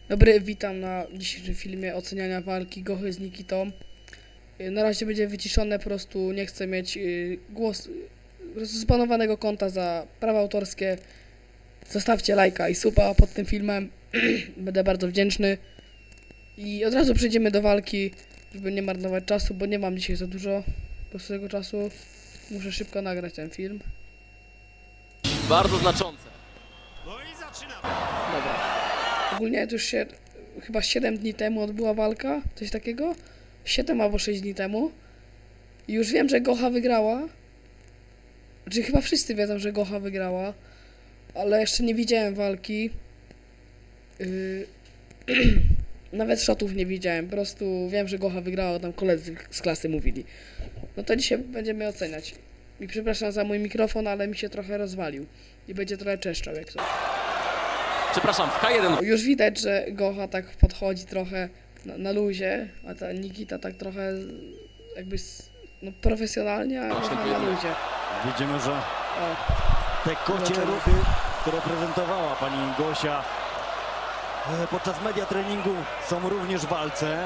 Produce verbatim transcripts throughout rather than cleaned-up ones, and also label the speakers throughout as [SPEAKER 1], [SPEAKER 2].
[SPEAKER 1] Dobry, witam na dzisiejszym filmie oceniania walki Gochy z Nikitą. Na razie będzie wyciszone, po prostu nie chcę mieć yy, głos, po prostu zbanowanego konta za prawa autorskie. Zostawcie lajka i suba pod tym filmem, będę bardzo wdzięczny. I od razu przejdziemy do walki, żeby nie marnować czasu, bo nie mam dzisiaj za dużo po prostu tego czasu. Muszę szybko nagrać ten film.
[SPEAKER 2] Bardzo znaczące.
[SPEAKER 3] No i zaczynamy.
[SPEAKER 1] Dobra. Ogólnie to już się chyba siedem dni temu odbyła walka, coś takiego. siedem albo sześć dni temu. I już wiem, że Gocha wygrała. Znaczy chyba wszyscy wiedzą, że Gocha wygrała. Ale jeszcze nie widziałem walki. Yy... Nawet shotów nie widziałem. Po prostu wiem, że Gocha wygrała, tam koledzy z klasy mówili. No to dzisiaj będziemy oceniać. I przepraszam za mój mikrofon, ale mi się trochę rozwalił. I będzie trochę czeszczał jak coś.
[SPEAKER 2] Przepraszam, w K jeden.
[SPEAKER 1] Już widać, że Gocha tak podchodzi trochę na, na luzie, a ta Nikita tak trochę jakby no, profesjonalnie, a Gocha na luzie.
[SPEAKER 3] Widzimy, że
[SPEAKER 1] O,
[SPEAKER 3] te kocie
[SPEAKER 1] Zobaczymy.
[SPEAKER 3] ruchy, które prezentowała pani Gosia e, podczas media treningu, są również w walce.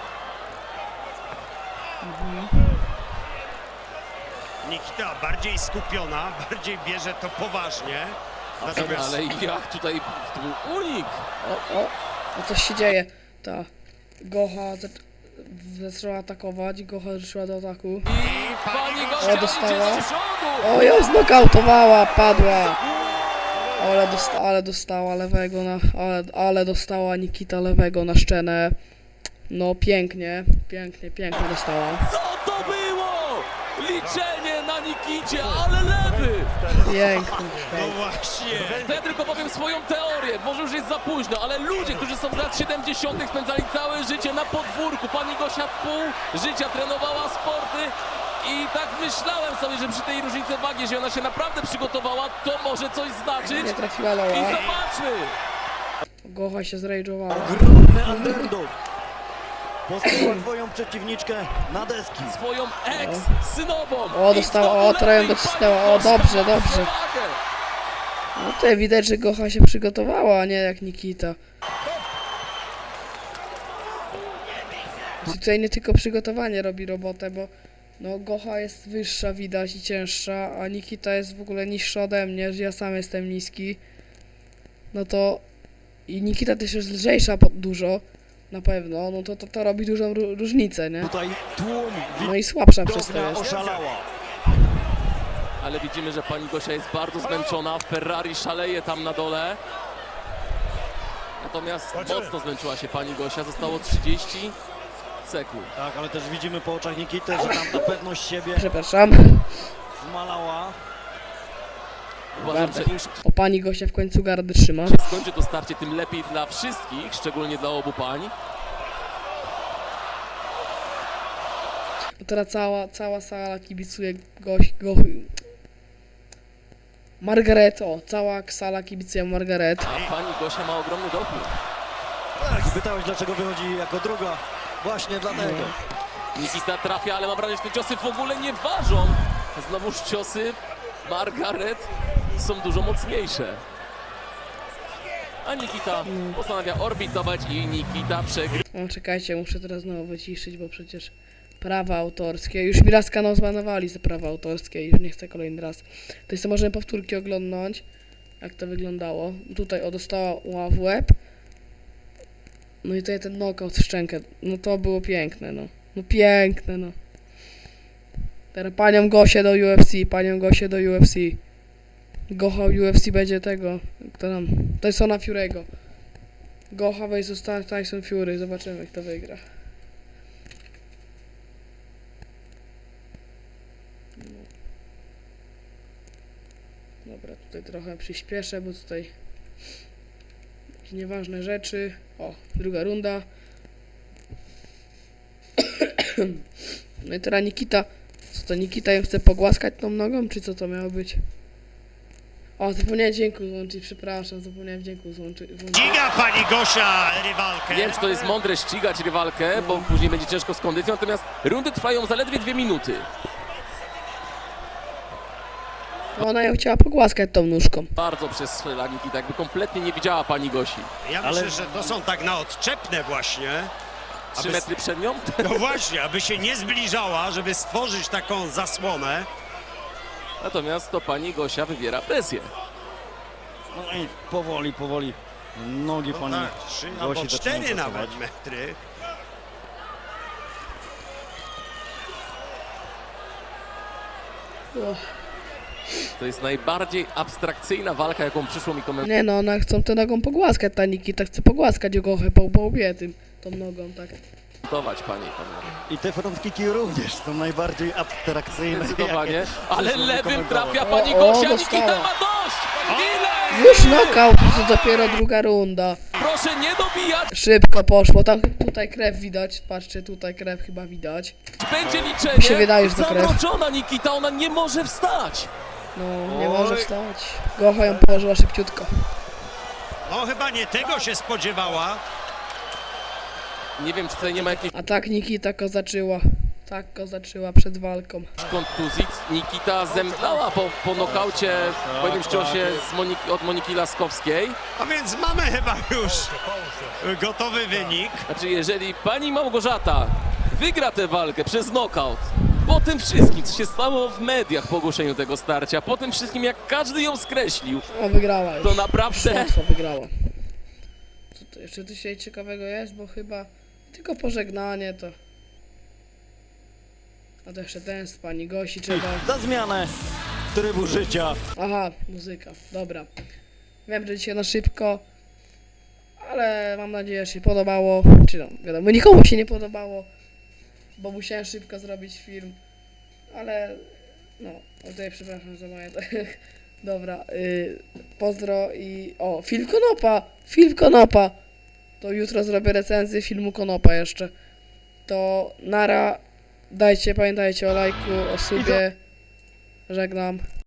[SPEAKER 3] Nikita bardziej skupiona, bardziej bierze to poważnie. Natomiast
[SPEAKER 2] Ale jak tutaj to był unik?
[SPEAKER 1] o, o, no coś się dzieje. Ta Gocha za, zaczęła atakować, Gocha ruszyła do ataku.
[SPEAKER 2] I pani Gosia
[SPEAKER 1] O, dostała.
[SPEAKER 2] idzie do przodu.
[SPEAKER 1] O, ją znokautowała, padła. Ale, dosta ale dostała lewego na, ale, ale dostała Nikita lewego na szczenę. No pięknie, pięknie, pięknie dostała.
[SPEAKER 2] Co to było? Liczenie na Nikicie, ale lewy!
[SPEAKER 1] Pięknie.
[SPEAKER 3] no właśnie.
[SPEAKER 2] To ja tylko powiem swoją teorię, może już jest za późno, ale ludzie, którzy są z lat siedemdziesiątych spędzali całe życie na podwórku. Pani Gosia pół życia trenowała sporty i tak myślałem sobie, że przy tej różnicy wagi, że ona się naprawdę przygotowała, to może coś znaczyć.
[SPEAKER 1] Nie trafiła
[SPEAKER 2] I
[SPEAKER 1] loła.
[SPEAKER 2] zobaczmy!
[SPEAKER 1] Gocha się zrage'owała.
[SPEAKER 3] Ogromny underdog. Postawiła swoją przeciwniczkę na deski.
[SPEAKER 2] Swoją ex-synową.
[SPEAKER 1] O, dostała, o, trochę ją docisnęła. O, dobrze, dobrze. No tutaj widać, że Gocha się przygotowała, a nie jak Nikita. I tutaj nie tylko przygotowanie robi robotę, bo no Gocha jest wyższa, widać, i cięższa, a Nikita jest w ogóle niższa ode mnie, że ja sam jestem niski. No to i Nikita też jest lżejsza po, dużo, na pewno, no to to, to robi dużą ró- różnicę, nie?
[SPEAKER 3] Tutaj tłum
[SPEAKER 1] No i słabsza przez to
[SPEAKER 3] widownia
[SPEAKER 1] jest.
[SPEAKER 3] oszalała.
[SPEAKER 2] Ale widzimy, że pani Gosia jest bardzo zmęczona. Ferrari szaleje tam na dole. Natomiast mocno zmęczyła się pani Gosia. Zostało trzydzieści sekund.
[SPEAKER 3] Tak, ale też widzimy po oczach Nikity, że tam ta pewność siebie
[SPEAKER 1] Przepraszam.
[SPEAKER 3] zmalała.
[SPEAKER 2] Uważam, że im
[SPEAKER 1] O, pani Gosia w końcu gardę trzyma.
[SPEAKER 2] szybciej skończy to starcie, tym lepiej dla wszystkich, szczególnie dla obu pań.
[SPEAKER 1] Bo teraz cała, cała sala kibicuje Goś, Gochy. Margaret, o, cała sala kibicuje Margaret.
[SPEAKER 2] A pani Gosia ma ogromny dopór.
[SPEAKER 3] Tak, pytałeś, dlaczego wychodzi jako druga. Właśnie dlatego.
[SPEAKER 2] Nikita trafia, ale mam wrażenie, że te ciosy w ogóle nie ważą. Znowuż ciosy Margaret są dużo mocniejsze. A Nikita postanawia orbitować i Nikita przegrywa.
[SPEAKER 1] O, czekajcie, muszę teraz znowu wyciszyć, bo przecież prawa autorskie. Już mi raz kanał zbanowali za prawa autorskie i już nie chcę kolejny raz. To sobie możemy powtórki oglądnąć, jak to wyglądało. Tutaj o, dostała w łeb. No i tutaj ten knockout w szczękę. No to było piękne, no. No piękne, no. Teraz panią Gosię do U F C, panią Gosię do U F C. Gocha U F C będzie tego, kto tam, Tysona Fury'ego. Gocha versus Tyson Fury, zobaczymy kto wygra. No. Dobra, tutaj trochę przyspieszę, bo tutaj jakieś nieważne rzeczy. O, druga runda. No i teraz Nikita. Co to, Nikita ją chce pogłaskać tą nogą, czy co to miało być? O, zapomniałem dźwięku złączyć, przepraszam, zapomniałem dźwięku złączyć.
[SPEAKER 3] Ściga pani Gosia rywalkę.
[SPEAKER 2] Nie wiem, czy to jest mądre ścigać rywalkę, bo później będzie ciężko z kondycją, natomiast rundy trwają zaledwie dwie minuty.
[SPEAKER 1] Ona ją chciała pogłaskać tą nóżką.
[SPEAKER 2] Bardzo przestrzela Nikita, jakby kompletnie nie widziała pani Gosi.
[SPEAKER 4] Ja
[SPEAKER 3] Ale-
[SPEAKER 4] myślę, że to są tak na odczepne właśnie.
[SPEAKER 2] Trzy
[SPEAKER 4] Aby-
[SPEAKER 2] metry przed nią?
[SPEAKER 4] No właśnie, aby się nie zbliżała, żeby stworzyć taką zasłonę.
[SPEAKER 2] Natomiast to pani Gosia wywiera presję.
[SPEAKER 3] No i powoli, powoli nogi
[SPEAKER 4] No
[SPEAKER 3] pani
[SPEAKER 4] tak, trzy
[SPEAKER 3] Gosi
[SPEAKER 4] albo
[SPEAKER 3] zaczynają
[SPEAKER 4] cztery
[SPEAKER 3] pracować.
[SPEAKER 4] nawet metry.
[SPEAKER 1] Och.
[SPEAKER 2] To jest najbardziej abstrakcyjna walka, jaką przyszło mi komentować.
[SPEAKER 1] Nie no, ona chcą tę nogą pogłaskać, ta Nikita chce pogłaskać Gochę po, po łbie tym, tą nogą, tak.
[SPEAKER 2] Panie i panowie.
[SPEAKER 3] I te front kicki również są najbardziej abstrakcyjne.
[SPEAKER 2] Zdecydowanie.
[SPEAKER 3] jakie
[SPEAKER 2] Ale
[SPEAKER 3] przyszło mi
[SPEAKER 2] lewym
[SPEAKER 3] komentować.
[SPEAKER 2] trafia pani
[SPEAKER 1] O, o,
[SPEAKER 2] Gosia.
[SPEAKER 1] dostała.
[SPEAKER 2] Nikita ma dość! Ile?
[SPEAKER 1] Już knockout, to dopiero druga runda.
[SPEAKER 2] Proszę nie dobijać!
[SPEAKER 1] Szybko poszło, tam tutaj krew widać, patrzcie, tutaj krew chyba widać.
[SPEAKER 2] Będzie
[SPEAKER 1] Mi
[SPEAKER 2] liczenie.
[SPEAKER 1] się wydaje, że to krew.
[SPEAKER 2] Zamroczona Nikita, ona nie może wstać.
[SPEAKER 1] No, nie
[SPEAKER 4] Oj.
[SPEAKER 1] może wstać. Gocha ją położyła szybciutko.
[SPEAKER 4] No chyba nie tego się spodziewała.
[SPEAKER 2] Nie wiem, czy tutaj nie ma jakiejś
[SPEAKER 1] A tak Nikita kozaczyła. Tak kozaczyła przed walką.
[SPEAKER 2] kontuzji. Nikita zemdlała po, po nokaucie po jednym ciosie z Moniki, od Moniki Laskowskiej.
[SPEAKER 4] A więc mamy chyba już gotowy wynik.
[SPEAKER 2] Znaczy, jeżeli pani Małgorzata wygra tę walkę przez nokaut, po tym wszystkim, co się stało w mediach po ogłoszeniu tego starcia, po tym wszystkim, jak każdy ją skreślił,
[SPEAKER 1] O, wygrała już.
[SPEAKER 2] to
[SPEAKER 1] Już
[SPEAKER 2] naprawdę...
[SPEAKER 1] łatwo wygrała. Co to jeszcze dzisiaj ciekawego jest, bo chyba tylko pożegnanie to... A to jeszcze ten z pani Gosi trzeba...
[SPEAKER 3] Za zmianę trybu życia.
[SPEAKER 1] Aha, muzyka, dobra. Wiem, że dzisiaj na szybko, ale mam nadzieję, że się podobało. Czy no, wiadomo, nikomu się nie podobało, bo musiałem szybko zrobić film, ale no, o, tutaj przepraszam za moje... Dobra, y, pozdro i... O, film Konopa! Film Konopa! To jutro zrobię recenzję filmu Konopa jeszcze. To nara, dajcie, pamiętajcie o lajku, o subie. Żegnam.